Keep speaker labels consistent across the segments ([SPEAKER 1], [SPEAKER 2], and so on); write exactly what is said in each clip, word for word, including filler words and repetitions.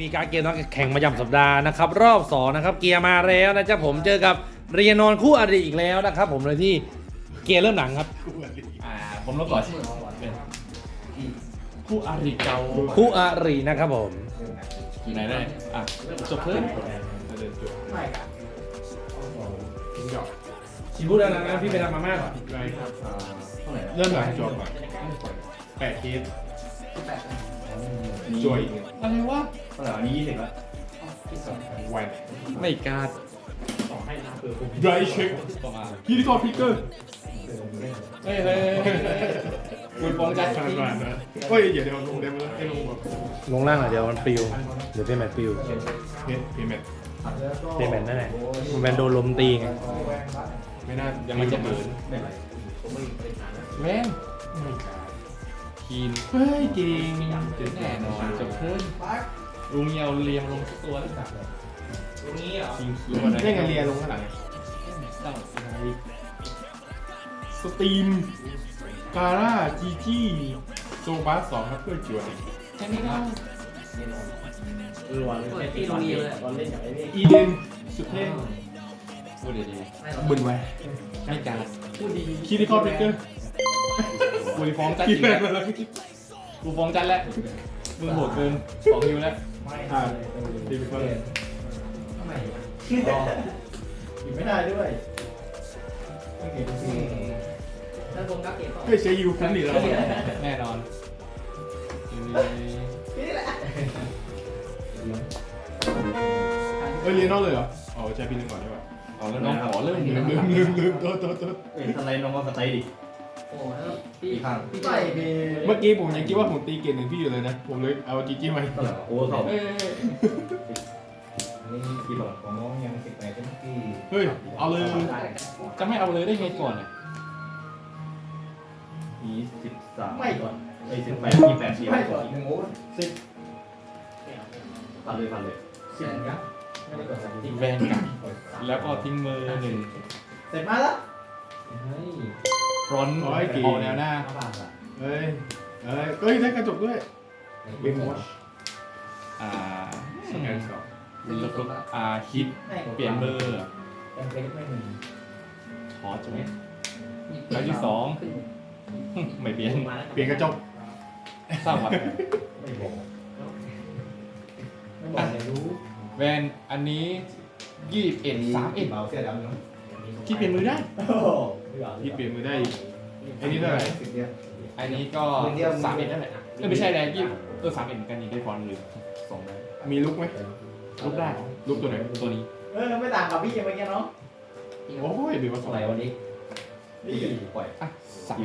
[SPEAKER 1] มีการเกมนักแข่งประจำสัปดาห์นะครับรอบสองนะครับเกียร์มาแล้วนะจ๊ะผมเจอกับเรียนอนคู่อริอีกแล้วนะครับผมเลยที่เกียร์เริ่มหลังครับ
[SPEAKER 2] อ่าผมลบก่อนเป็นคู่อาริเก่า
[SPEAKER 1] คู่อรินะครับผม
[SPEAKER 2] ไหนได้อ่ะจบเพิ่ม
[SPEAKER 3] ไม่ครับ
[SPEAKER 4] ทิ้งดอก
[SPEAKER 1] ชิบูดังนะพี่ไปทำมาม่าก่อน
[SPEAKER 4] ไรครับ
[SPEAKER 2] เท่าไหร่
[SPEAKER 4] เริ่มหลังจบก่อนแปดเคส
[SPEAKER 3] ที่แปด
[SPEAKER 4] จวยอีกหนึ่ง
[SPEAKER 2] อะไรวะ
[SPEAKER 5] เท่าไหร่อันนี้ยี่สิบละ
[SPEAKER 4] แหวน
[SPEAKER 2] ไม่การ์ด
[SPEAKER 4] ไรเช็ค
[SPEAKER 2] ประมาณ
[SPEAKER 4] พี่ที่กอพิกเกอร์
[SPEAKER 2] เฮ้ยเฮ้ยคุณฟ้องจัด
[SPEAKER 4] ขนาดนั้นนะเฮ้ยเดี๋ยวเดี๋ยวลงเดมแล้วให้ลงแบบ
[SPEAKER 1] ลงล่างหน่อยเดี๋ยวมันปิวเดี๋ยวเพย์แมทปิว
[SPEAKER 4] เพจเพย์แมท
[SPEAKER 1] เพย์แมทนั่นแหละมันเป็นโดนลมตีไง
[SPEAKER 4] ไม่น่า
[SPEAKER 2] ยังไม่จะเบิร์น
[SPEAKER 5] ไม่ไหว
[SPEAKER 2] แม่ง
[SPEAKER 4] ไม่กล้า
[SPEAKER 2] คีน
[SPEAKER 4] เฮ้ยจริง
[SPEAKER 2] แน่นอนจบเพิ่มลุงเยาเรียมลงสักตัวแล้ว
[SPEAKER 3] ตรงนี้เหรอ
[SPEAKER 2] คิงคิว
[SPEAKER 4] เล่นกันเรียนลงข้างหลัง
[SPEAKER 2] เต้า
[SPEAKER 4] สตรีมการ่าจีจี้โซบัสสองครับเพื่อจวย
[SPEAKER 2] แค่นี้ก็
[SPEAKER 5] เออวันเล่นที่โรงเรียนเลยวันเล่นอย่างไรนี่
[SPEAKER 4] อีเดนสุดเท่
[SPEAKER 2] พูดดี
[SPEAKER 4] บึนไว้
[SPEAKER 2] ๆไม่การ์ด
[SPEAKER 5] พูดดี
[SPEAKER 4] คิดที่กอพิกเกอร์
[SPEAKER 2] กูฟ้องจัด
[SPEAKER 4] คิ
[SPEAKER 2] จ
[SPEAKER 4] ด
[SPEAKER 2] ริง
[SPEAKER 4] แบ
[SPEAKER 2] แล้ว
[SPEAKER 4] บนั้น
[SPEAKER 2] กูฟ้องจัดแล้วมึงโหดเกินสองฮิวแล้ว
[SPEAKER 4] อ่าดีไปเพิ่ม
[SPEAKER 5] ทำไมอยู่ไม่ได้ด้วยไม่เห็นสิ
[SPEAKER 3] ถ้าผมกับเก็บ
[SPEAKER 4] เฮ้ยใช้ยูคุ้มดีแล้ว
[SPEAKER 2] แน่นอน
[SPEAKER 3] นี่แหละ
[SPEAKER 4] เฮ้ยเรียนนอกเลยเหรออ๋อใช้พี่นึงก่อนได้ป่ะ
[SPEAKER 2] เอาแล้วน้องขอเริ่ม
[SPEAKER 4] ลืมลืมลืมลืมโทษโทษโทษ
[SPEAKER 5] เอ้ยทำไรน้องว่าสไตล์ดิ
[SPEAKER 3] โอ้แล้วพี่
[SPEAKER 5] อีกข้าง
[SPEAKER 3] พี่
[SPEAKER 5] ไม่
[SPEAKER 3] ไป
[SPEAKER 5] มี
[SPEAKER 4] เมื่อกี้ผมยังคิดว่าผมตีเกณฑ์หนึ่งพี่อยู่เลยนะ ผมเลยเอาจีจี้มา
[SPEAKER 5] เท่าไหร่โอ้เข้า
[SPEAKER 2] เอ้ย
[SPEAKER 5] นี่กี่บาทของน้องยังสิบแปดเป็นที่
[SPEAKER 4] เฮ้ย เอาเลย
[SPEAKER 2] จะไม่เอาเลยได้ไงก่อนเนี่ย
[SPEAKER 5] ยี่สิบสามไม่ก่อนไอ้สิบแปดยี่แปดสี่ไม่ก่อนหนึ่งโอ้สิบพันเลยพันเลยสิบนะไม่ได้ก่อนสามสิบ
[SPEAKER 2] แวนกลับแล้วก็ทิ้งมือหนึ่ง
[SPEAKER 5] เสร็จมาแล้วเฮ้ย
[SPEAKER 2] ฟรอนต์เอาแนวหน้า
[SPEAKER 5] ห้าบาทอ่ะ
[SPEAKER 4] เฮ้ย เฮ้ยเฮ้ยได้กระจกด้วยเบนวอช
[SPEAKER 2] อ่า
[SPEAKER 4] สแกนสอง
[SPEAKER 2] แล้วก็อ่าฮิตเปลี่ยนเบอร์
[SPEAKER 5] ยังเล็กไม่มี
[SPEAKER 2] ขอจุดแล้วที่สองไม่เปลี่ยน
[SPEAKER 4] เปลี่ยนกระจก
[SPEAKER 2] สร้างวัด
[SPEAKER 5] ไม่บอกไม่บอกเลยรู้
[SPEAKER 2] แวนอันนี้ยี่สิบเอ็ดสามเอ็ด
[SPEAKER 5] เบาเสื้อดำเนาะ
[SPEAKER 2] ที่เปลี่ยนมือได้
[SPEAKER 4] ที่เปลี่ยนมือได้อีกไอ้นี่เท่าไหร่
[SPEAKER 5] สิบเดียว
[SPEAKER 2] อันนี้ก็สามเอ็ดนั่นแหละเออไม่ใช่แรงยี่เออสามเอ็ดเหมือนกันนี่ได้ฟรอนต์หรือสองได้
[SPEAKER 4] มีลุกไหม
[SPEAKER 2] ลุกได้
[SPEAKER 4] ลุกตัวไหน
[SPEAKER 2] ตัวนี้
[SPEAKER 5] เออไม่ต่างกับพี่ยังไงเนาะ
[SPEAKER 4] โอ้ยเบนวอชสอง
[SPEAKER 5] อะไรวันนี้นี่ปล่อย
[SPEAKER 2] อ่ะสาม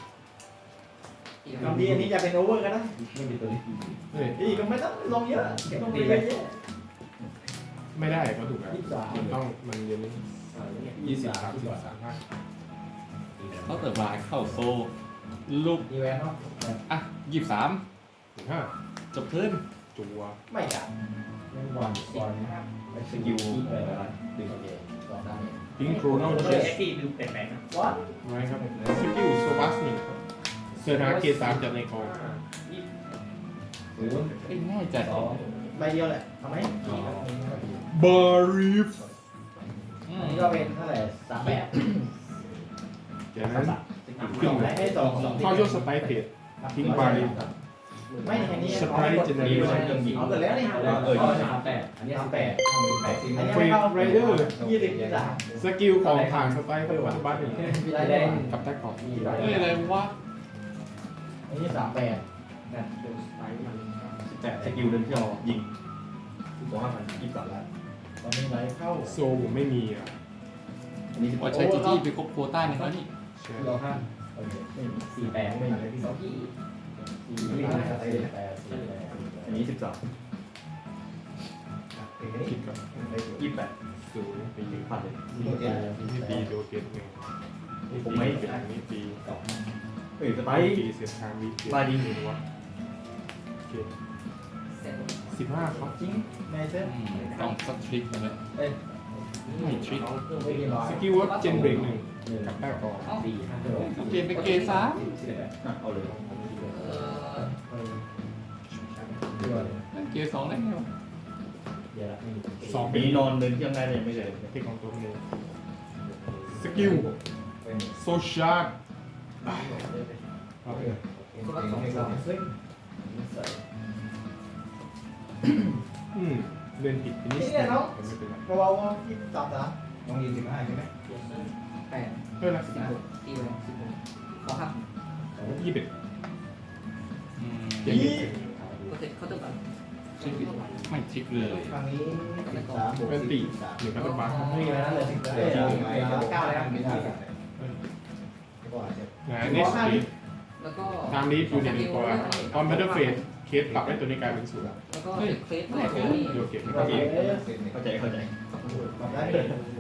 [SPEAKER 5] คำดีอันนี้จะเป็นโอเวอร์ก็ได้ไม่มีตัวนี้
[SPEAKER 4] เฮ้ย
[SPEAKER 5] ดีก็ไม่ต้องลงเยอะเก็บลงไปเยอะ
[SPEAKER 4] ไม่ได้ก็ถูกแล้ว
[SPEAKER 5] ยี่สิบสาม
[SPEAKER 4] มันต้องมันเย็นนิดยี่สิบสามสิบสามห้า
[SPEAKER 2] เขาเติมมาเข้าโซลูก
[SPEAKER 5] อีแวนเนาะ
[SPEAKER 2] อ่ะยี่สิบสาม
[SPEAKER 4] ถึงห้า
[SPEAKER 2] จบเพิ่ม
[SPEAKER 4] จัว
[SPEAKER 5] ไม่จับไม่วางก่อนไม่สกิลอะไรอะไรดึงก่อนได้
[SPEAKER 4] พิงโครโนเชส
[SPEAKER 3] ที่ดูแปลกๆนะ
[SPEAKER 5] วัด
[SPEAKER 4] ไว้ครับสกิลโซบัสหนึ่งเสือหาเกรดสามจากในคอ
[SPEAKER 5] หรือ
[SPEAKER 2] เอ้ยง่ายจัด
[SPEAKER 5] สองใบเดียวแหละทำไหม
[SPEAKER 4] บารีฟ
[SPEAKER 2] อื
[SPEAKER 5] อัน
[SPEAKER 2] ม
[SPEAKER 5] นี้ก็เป็นเท่าไหร่สามแบบ
[SPEAKER 4] จากนั้น
[SPEAKER 5] ขึ้นไหนให้สองสอง
[SPEAKER 4] เข้าช่วงสไปเพจทิ้งบารีฟ
[SPEAKER 5] ไม่อันนี้
[SPEAKER 4] สไปเจเนอเรชั่น
[SPEAKER 5] เอาเกิดแล้วนี่เออสามแปดอันนี้สามแปดทำสิบแปดอันนี้
[SPEAKER 4] เฟร
[SPEAKER 5] ไม่
[SPEAKER 4] ด
[SPEAKER 5] เข้า
[SPEAKER 4] ไรเดอร์
[SPEAKER 5] ยี่สิบยี่สิบสาม
[SPEAKER 4] สกิลของผ่านสไปเพื่อวัตถุบัตหนึ่ง
[SPEAKER 5] มีรายได้
[SPEAKER 4] กับแท็กของ
[SPEAKER 2] เอ้ยอะไรวะ
[SPEAKER 5] อันนี้สามแปดนะดูสไปมัน
[SPEAKER 6] สิบแปดสกิลเดินที่เรายิงสองห้าพันยี่สิบสามล้าน
[SPEAKER 5] ตอนนี้ไรเข้า
[SPEAKER 4] โซผมไม่มีอ่ะ
[SPEAKER 6] อันนี้สิบ
[SPEAKER 2] ว่าใช้จีจี้ไปครบโควต้าในแล้วนี่
[SPEAKER 4] ใช่
[SPEAKER 5] เราห้าสี่แปดไม่มีที่สองที่สี่ห้าสี่แปดสี่แปด
[SPEAKER 6] อันนี้สิบสาม
[SPEAKER 4] คิดก่อน
[SPEAKER 6] ยี่สิบแปด
[SPEAKER 4] ศูนย์ปีหนึ่ง
[SPEAKER 6] พันเลย
[SPEAKER 4] นี่ปีโดเกตหนึ่งนี่ปีเป็นอันนี้ปี
[SPEAKER 6] เอ้ยสไป
[SPEAKER 4] ปีเสียทางวีเกต
[SPEAKER 6] บาดี
[SPEAKER 4] หนึ่งวะโอเค
[SPEAKER 3] เสร็จ
[SPEAKER 4] สิบห้าครับ
[SPEAKER 5] จริงในเส้น
[SPEAKER 2] อืมต้องสักทริคนะเลย
[SPEAKER 5] เอ้ย
[SPEAKER 2] ไม่ทริค
[SPEAKER 5] ไม่มีร้อย
[SPEAKER 4] สกิลว่าเจนเบรกหนึ่งกับแต้ก่อน
[SPEAKER 5] สี่ห้าหก
[SPEAKER 2] เกมไปเกมซะ
[SPEAKER 6] เอาเลย
[SPEAKER 3] เออ
[SPEAKER 2] เล่นเกมสองได้ไงวะ
[SPEAKER 4] เ
[SPEAKER 5] เดี๋ยวละไม่มี
[SPEAKER 4] สอง
[SPEAKER 6] ปี
[SPEAKER 4] เป็น
[SPEAKER 6] นอนเดินเที่ยงได้เลยไม่เลย
[SPEAKER 4] เทคของตัวนี้สกิลโซชาร์ด
[SPEAKER 5] โอเคสองสองซึ่ง
[SPEAKER 4] อืมเล่นผิดนิด
[SPEAKER 5] นี่เนี่ยน้อง
[SPEAKER 4] ไม่เป็นไร
[SPEAKER 5] กระเป๋าที่สามสามน้องยิงสิบห้าใช่ไหม
[SPEAKER 3] แปด
[SPEAKER 4] เท่าไหร่
[SPEAKER 3] สิบหกตีไปสิบหกขอครับ
[SPEAKER 4] ยี่สิบ
[SPEAKER 2] อืม
[SPEAKER 5] ยี่
[SPEAKER 3] ก็เสร็จเขาต้องการ
[SPEAKER 2] ไม่ทิกเลย
[SPEAKER 5] ครั้งนี้สิบสามบวก
[SPEAKER 4] เป็น
[SPEAKER 5] สี่
[SPEAKER 4] ตี
[SPEAKER 5] สาม
[SPEAKER 4] หนึ่งพันบาท
[SPEAKER 5] ไม่มีอะไรนั่นเลยสิบเก้าเก้าแล้วไม่ได้ก็อาจจะ
[SPEAKER 4] งานเน็กซ์ลี
[SPEAKER 3] แล้วก็
[SPEAKER 4] ตามนี้อยู่ในหนึ่งตัวตอนบัตเตอร์เฟสเคสปรับให้ตัวนี้กลายเป็นศูนย์
[SPEAKER 3] แล้วก็เด็กเฟสแรกนี่
[SPEAKER 4] โอเค
[SPEAKER 5] ก็มี
[SPEAKER 6] เข้าใจเข้าใจ
[SPEAKER 5] ปรับได้เลย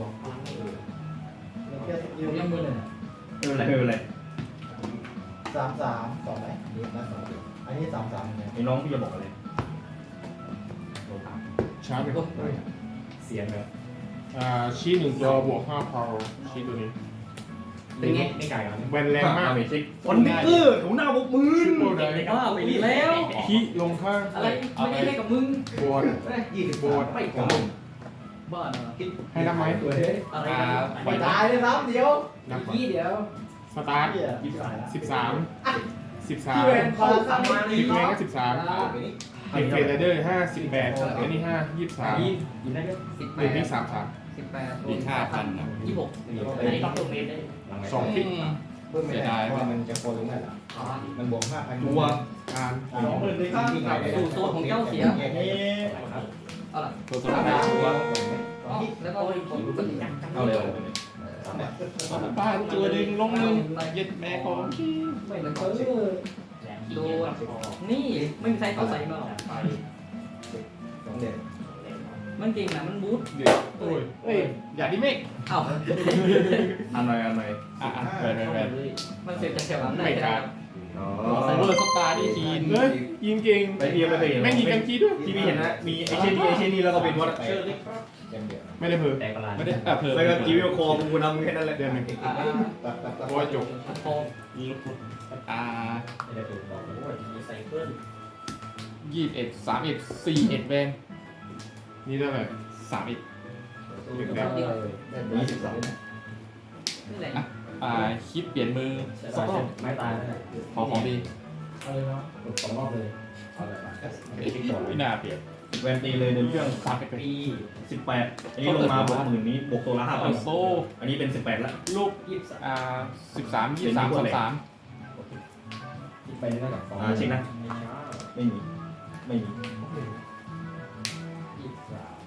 [SPEAKER 5] แค่ยืนยังมือหนึ่ง
[SPEAKER 6] ไม่เป็นไรไม่เป็นไร
[SPEAKER 5] สามสามสองไหมนี่นะสองอันนี้สามสามเนี่ย
[SPEAKER 6] ไอ้น้องพี่จะบอกอะไร
[SPEAKER 4] ชาร์จไป
[SPEAKER 5] เสียงเลย
[SPEAKER 4] อ่าชี้หนึ่งตัวบวกห้าพาวชี้ตัวนี้
[SPEAKER 3] เป็นไง
[SPEAKER 5] ไม่ไกลครับ
[SPEAKER 4] แวนแรงมาก
[SPEAKER 6] เมจิกฟอนดิเกอร์ถูหน้าบกมือ
[SPEAKER 4] ชิปโปรได
[SPEAKER 3] ว่าไปดีแล้ว
[SPEAKER 4] ขี้ลงข้าง
[SPEAKER 3] อะไรไม่ได้ให้กับมึง
[SPEAKER 4] บอร์ด
[SPEAKER 5] ยี่สิบ
[SPEAKER 4] โบด
[SPEAKER 5] ไม่ของมึง
[SPEAKER 3] บ้า
[SPEAKER 4] ให้นับไหม
[SPEAKER 5] ตัวเฮ้ย
[SPEAKER 3] อะไร
[SPEAKER 5] ไม่ตายเลยครับเดี๋ยว
[SPEAKER 4] นับก่อน
[SPEAKER 3] ยี่เดียว
[SPEAKER 4] สตาร์ท
[SPEAKER 5] ยี่สิบสาม
[SPEAKER 4] สิบสามสิบสาม
[SPEAKER 5] ที่เวนพอสามมา
[SPEAKER 4] สิบแรงก็สิบสาม
[SPEAKER 5] ไปนี่
[SPEAKER 4] เด็กเฟรเดอร์ห้าสิบแปดอันนี้ห้ายี่สิบสาม
[SPEAKER 5] ยินได้ด้วย
[SPEAKER 3] สิบแป
[SPEAKER 4] หนึ่
[SPEAKER 3] ด
[SPEAKER 4] งนี่สามสาม
[SPEAKER 3] สิบแปด
[SPEAKER 2] มีห้าพันนะ
[SPEAKER 3] ยี่สิบหกอันนี้ล็อกตัวเมตรได้
[SPEAKER 4] สองพิก
[SPEAKER 5] เพิ่มไม่ได้เพราะมันจะโคลงนั่นแหละ
[SPEAKER 3] อ๋อ
[SPEAKER 5] มันบวกห้าพัน
[SPEAKER 6] ตัว
[SPEAKER 4] การ
[SPEAKER 5] สองหมื่นเลยครับ
[SPEAKER 3] สู่โซนของเจ้าเสีย
[SPEAKER 5] นี่
[SPEAKER 3] เอาล่ะ
[SPEAKER 2] ตัวสดาตัว
[SPEAKER 3] แล้วก็ผมก็ยัง
[SPEAKER 6] เอาเลย
[SPEAKER 2] บ้านตัวดึงลงหนึ่งเย็ดแม่ของ
[SPEAKER 3] ไม่เหมือนเขาโดนนี่ไม่มีใครเขาใส่มาหรอก
[SPEAKER 5] สองเดือน
[SPEAKER 3] มันเก่งนะมันบูท
[SPEAKER 2] เดือด
[SPEAKER 4] โอ้ย
[SPEAKER 2] เฮ้ยอย่าดิเมก
[SPEAKER 3] เอ้า
[SPEAKER 6] อันหน่อยอันหน่อย
[SPEAKER 2] อ่ะอ่ะแฟนแฟนแฟน
[SPEAKER 3] มันเสร็จจากแถวนั้นได้
[SPEAKER 6] อ๋อ
[SPEAKER 2] ไซเบอร์สตาร์ดีทีน
[SPEAKER 4] เฮ้ยยิงเก่ง
[SPEAKER 6] ไปพี่ไม่เคยเห็น
[SPEAKER 4] แม่งยิงกันกี้ด้วย
[SPEAKER 6] ที่พี่เห็นนะมีไอเช่นนี้ไอเช่นนี้แล้วก็เป็นวัด
[SPEAKER 5] ยังเดือน
[SPEAKER 4] ไม่ได้เพิ่ม
[SPEAKER 2] ไม่ได้อ่ะเพิ่ม
[SPEAKER 6] แล้วก็จีวิโอคอกูนำแค่นั้นแหละ
[SPEAKER 4] เดือนหนึ่ง
[SPEAKER 3] อ่า
[SPEAKER 5] ตัดตัดตัด
[SPEAKER 4] โอ้ยจบ
[SPEAKER 3] พอ
[SPEAKER 2] อ่า
[SPEAKER 5] ไม่ได้ถูกบอกโอ้ยมีไซเคิล
[SPEAKER 2] ยี่สิบเอ็ดสามเอ็ดสี่เอ็ดแวน
[SPEAKER 4] นี่เท่าไหร่
[SPEAKER 2] สามเอ็ด
[SPEAKER 5] ยี่สิบสอง
[SPEAKER 3] นี่แหละ
[SPEAKER 2] อ่าคิดเปลี่ยนมือสองรอบ
[SPEAKER 5] ไม่ตายแล้ว
[SPEAKER 2] ขอของดี
[SPEAKER 5] เอาเลยเนาะสองรอบเลยเอาเลยมา
[SPEAKER 2] ไม่น่าเปลี่ยน
[SPEAKER 6] แวนตีเลยเดินเครื่อง
[SPEAKER 2] สามเอ็ด
[SPEAKER 6] ปีสิบแปดอันนี้ลงมาบวกหมื่นนี้บวกตัวละห้าพัน
[SPEAKER 2] โซ่
[SPEAKER 6] อันนี้เป็นสิบแปดแล้ว
[SPEAKER 2] ลูกยี่สิบอ่าสิบสามยี่สิบสามสามสาม
[SPEAKER 5] ไปนี่น่าจะสอง
[SPEAKER 6] อ่าเช็คนะไม่มีไม่มี
[SPEAKER 5] ยี่สิบสาม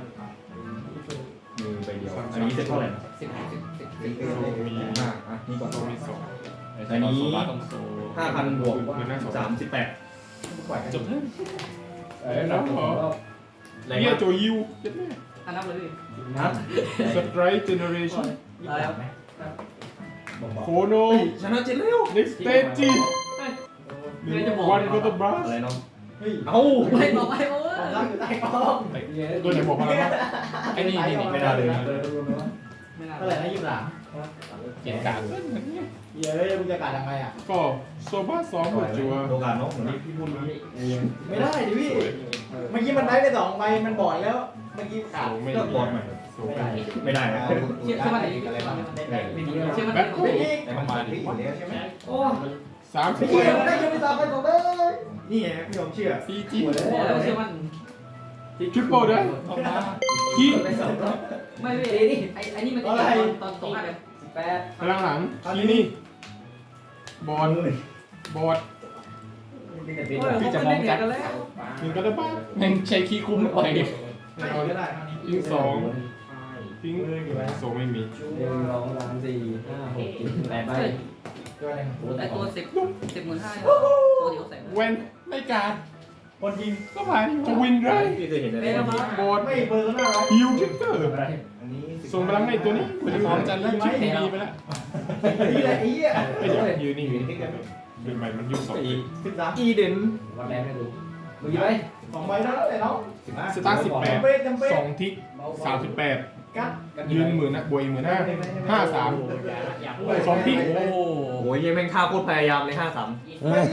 [SPEAKER 6] มีใบเดียวอันนี้เซ็ตเท่าไหร่นะ
[SPEAKER 3] สิบสิบสิบ
[SPEAKER 5] สี่
[SPEAKER 3] สิบ
[SPEAKER 5] ปี
[SPEAKER 6] อ่าอ่ะนี่ก่อน
[SPEAKER 4] โซมีสอง
[SPEAKER 6] อันนี้
[SPEAKER 2] ต้องโซ่
[SPEAKER 6] ห้าพันบวกสามสิบแปด
[SPEAKER 2] จบเถอะ
[SPEAKER 5] เออแล้วขอ
[SPEAKER 6] แรง
[SPEAKER 4] เฮีย
[SPEAKER 6] มาก
[SPEAKER 4] โจยิวเจ็ดแม่
[SPEAKER 3] อันนับเลย
[SPEAKER 6] นะ
[SPEAKER 4] สไตรท์เจเนอเรชั่น
[SPEAKER 3] ตายแล้ว
[SPEAKER 4] โคโน
[SPEAKER 6] ชนะเจ็ดแล้ว
[SPEAKER 4] เน็กสเตจิหนึ่งวันก็ต้องบลัส
[SPEAKER 6] อะไรน้อง
[SPEAKER 5] เฮ้ย
[SPEAKER 6] เอ้า
[SPEAKER 3] ไม่บอกไม่โอ้
[SPEAKER 5] ผม
[SPEAKER 3] ย
[SPEAKER 5] นั่งอยู่ใต้กล้อง
[SPEAKER 4] ตัวไหนบอกพลังมาก
[SPEAKER 2] ไอ้นี่นี่นี่
[SPEAKER 6] ไม่ได้เลย
[SPEAKER 3] ไม่น่า
[SPEAKER 5] เท่าไหร่นะยี่สิบสาม
[SPEAKER 2] เกียรติการ
[SPEAKER 5] เฮ้ยมึงจะการยังไงอ่ะ
[SPEAKER 4] ก็โซบ้าสองหัวจัว
[SPEAKER 6] โอกาสน้องเหมือนที่พี่พูดนี้
[SPEAKER 5] ไม่ได้ดิพี่ เมื่อกี้มันได้ไปสองใบมันบอดแล้ว เมื่อกี้
[SPEAKER 4] โซ
[SPEAKER 5] ขาด
[SPEAKER 4] ไม่
[SPEAKER 6] ก็
[SPEAKER 4] ดี
[SPEAKER 6] บอลใหม่
[SPEAKER 4] โซไม่ดี
[SPEAKER 6] ไม่ได้นะ
[SPEAKER 3] เชื่อเชื่อมัน
[SPEAKER 5] อะไรบ้าง
[SPEAKER 3] ไม่ดีเชื่อมัน
[SPEAKER 5] ไม่ดี
[SPEAKER 6] แต่ประมาณนี้
[SPEAKER 5] อยู่แล้วใช่ไหม
[SPEAKER 3] โอ้
[SPEAKER 4] สามสิ
[SPEAKER 5] พี่
[SPEAKER 4] บ
[SPEAKER 5] มันได้ยังไม่ตามไปสองเลย
[SPEAKER 6] นี่ไงพี่ยอมเชื่อ
[SPEAKER 2] ซีจี
[SPEAKER 5] หมดแล้ว
[SPEAKER 3] บอกแล้วเชื่อมัน
[SPEAKER 4] ทริปเปิลด้วย
[SPEAKER 2] ออกมา
[SPEAKER 4] ขี้
[SPEAKER 5] ไปสองรอบ
[SPEAKER 3] ไม่ไม่ไอ้ไอ้นี่มันจะตอนตอนตรงอะไรสิบแปด
[SPEAKER 4] พลังหลังขี้นี่บอลบอด
[SPEAKER 3] โอ้ยเขาเป็นเด็กกันแล้ว
[SPEAKER 4] หนึ่งก็ได้บ้าง
[SPEAKER 2] แม่งใช้ขี้คุ้มไป
[SPEAKER 5] ไม่ก็ได้
[SPEAKER 4] ยิงสองทิ้งโซไม่มี
[SPEAKER 5] หนึ่งสองสามสี่ห้าหกเจ็ดแปดใบตัวนึง
[SPEAKER 3] ไอ้ตัวสิบสิบหมื่นห้าตัวเดียวใส่
[SPEAKER 4] เวน
[SPEAKER 2] ไม่การ
[SPEAKER 5] คนยิง
[SPEAKER 2] ก็ผ่าน
[SPEAKER 4] จะวินไร
[SPEAKER 6] พี่เคยเห็นอะไร
[SPEAKER 3] เป็นมา
[SPEAKER 4] บอด
[SPEAKER 5] ไม่เบอร์หน้าร้อย
[SPEAKER 4] ฮิวทิกเกอร์
[SPEAKER 5] อันนี้
[SPEAKER 4] ส่งพลังให้ตัวนี้คุณจะพร้อมจันแล้วชิปดีไปแล้ว
[SPEAKER 5] นี่แหละไอ้เหี้ย
[SPEAKER 4] ไอ้เดี๋ยวยืนนี่เป็นใหม่มันยุคสอง
[SPEAKER 5] สิบสาม
[SPEAKER 6] อีเดน
[SPEAKER 5] วันแรกไม่ดูมึงยิงไปสองใบแล้วแต่น้องสิบห้า
[SPEAKER 4] สตาร์สิบแปด
[SPEAKER 5] จำเป็นจำเป็น
[SPEAKER 4] สองทิกสามสิบแปด
[SPEAKER 5] กัด
[SPEAKER 4] ยืนหมื่นนะบวกอีกหมื่นห้าห้าสาม สองที่
[SPEAKER 2] โอ้
[SPEAKER 6] โอ้ยยังแม่งท่าโคตรพยายามเลยห้าสาม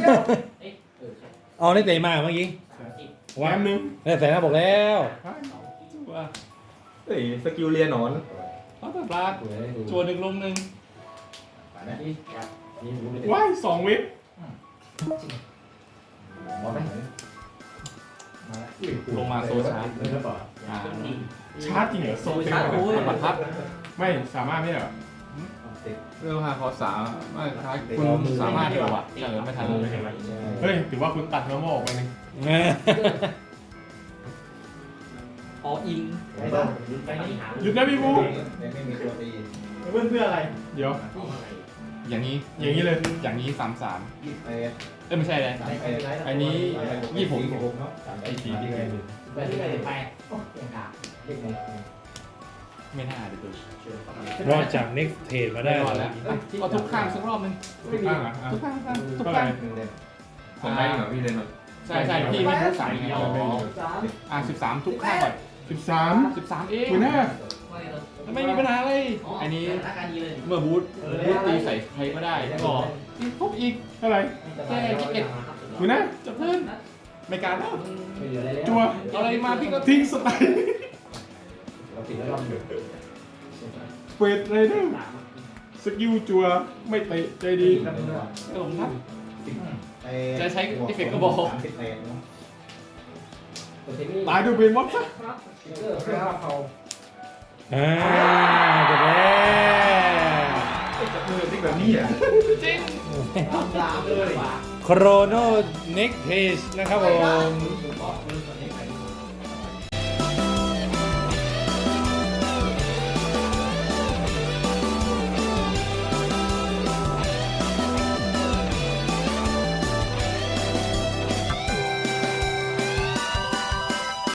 [SPEAKER 1] เอาได้เตะมาเมื่อกี้
[SPEAKER 4] แหวนหนึ่ง
[SPEAKER 1] ได้ใส่หน้าบอกแล้ว
[SPEAKER 2] ว่า
[SPEAKER 6] เฮ้ยสกิลเรียนหนอน
[SPEAKER 2] เขาแบบรักจวนหนึ่งลงหนึ่ง
[SPEAKER 5] ไปนะ
[SPEAKER 3] นี่ครับ
[SPEAKER 5] นี่รู้เลย
[SPEAKER 4] ว้ายสองเว็บ
[SPEAKER 5] หมอไหมมาแล้ว
[SPEAKER 2] ลงมาโซชาร์จ
[SPEAKER 5] เลยหรือเปล่า
[SPEAKER 2] อ่า
[SPEAKER 4] ชาร์จจริงเหรอโซเต็ม
[SPEAKER 2] มันบังคับ
[SPEAKER 4] ไม่สามารถไม่เหรอ
[SPEAKER 2] เรื่องหาขอสามไม่ครับคุณสามารถเดียวอ่ะเออไม่ทันเลย
[SPEAKER 4] เฮ้ยถือว่าคุณตัดเนื้อโมออกไปนึง
[SPEAKER 3] ออิง
[SPEAKER 5] ไม่ต้อง
[SPEAKER 3] ไปนี่หา
[SPEAKER 4] หยุดนะพี่บู
[SPEAKER 5] ไม่มีตัวตีเพื่อนเพื่ออะไร
[SPEAKER 4] เดี๋ยว
[SPEAKER 2] อย่างนี้
[SPEAKER 4] อย่างนี้เลย
[SPEAKER 2] อย่างนี้สามสาม
[SPEAKER 5] ยี่สิบเอ็ด
[SPEAKER 2] เอ้ยไม่ใช่เลย อันนี้ยี่สิบหก
[SPEAKER 5] ยี่สิบหกเนาะสาม
[SPEAKER 4] ไอ้ทีที่ไงดู
[SPEAKER 3] ไปที่ไหนไปโอ้ยังกา
[SPEAKER 5] เรียกไง
[SPEAKER 2] ไม่น่าเดี๋ยวดู
[SPEAKER 1] รอดจาก next trade มาได้
[SPEAKER 2] ได้รอดแล้วเอาทุกข้างสักรอบนึง
[SPEAKER 4] ไม่มีอ่ะ
[SPEAKER 2] ทุกข้างทุกข้างทุก
[SPEAKER 4] เท่าไหร่
[SPEAKER 2] ข้าง
[SPEAKER 5] หนึ่งเล่ม
[SPEAKER 6] ผมได้เหรอพี่เรียนหนอน
[SPEAKER 2] ใช่ใช่พี่ไม่ทุกสามไงอ๋อ
[SPEAKER 3] สาม
[SPEAKER 2] อ่ะสิบสามทุกข้างก่อน
[SPEAKER 4] สิบสาม
[SPEAKER 2] สิบสามเอง
[SPEAKER 4] คุณหน้า
[SPEAKER 2] ไม่มีปัญหาเลยอันนี้เมื่อบูทบูทตีใส่ใครก็ได้ก็อีกทุบอีก
[SPEAKER 4] เท่าไหร่
[SPEAKER 2] แค่ยี่สิบเอ็ด
[SPEAKER 4] คุณหน้า
[SPEAKER 2] จะเพิ่มไม่การแล้ว
[SPEAKER 3] ไม่เหลืออะไรแล้ว
[SPEAKER 4] จัว
[SPEAKER 2] เอาอะไรมาพี่ก็
[SPEAKER 4] ทิ้งสไตล์
[SPEAKER 5] เราติดแล้วรอบหนึ่ง
[SPEAKER 4] เฟดไรเดอร์สกิลจัวไม่เตะใจดี
[SPEAKER 2] เออผมครับ
[SPEAKER 5] จะใช้เอฟเฟกต์ก็บอกสามสิบแปดเนาะ
[SPEAKER 4] ตายด้วยเบนวอตซะ
[SPEAKER 3] เกอร์ครับเขา
[SPEAKER 1] อ่าจบแล้ว
[SPEAKER 6] จับมือติ๊กแบบนี้อ่ะ
[SPEAKER 2] จริง
[SPEAKER 3] ตามเลย
[SPEAKER 1] โครโน next page นะครับผม
[SPEAKER 3] เ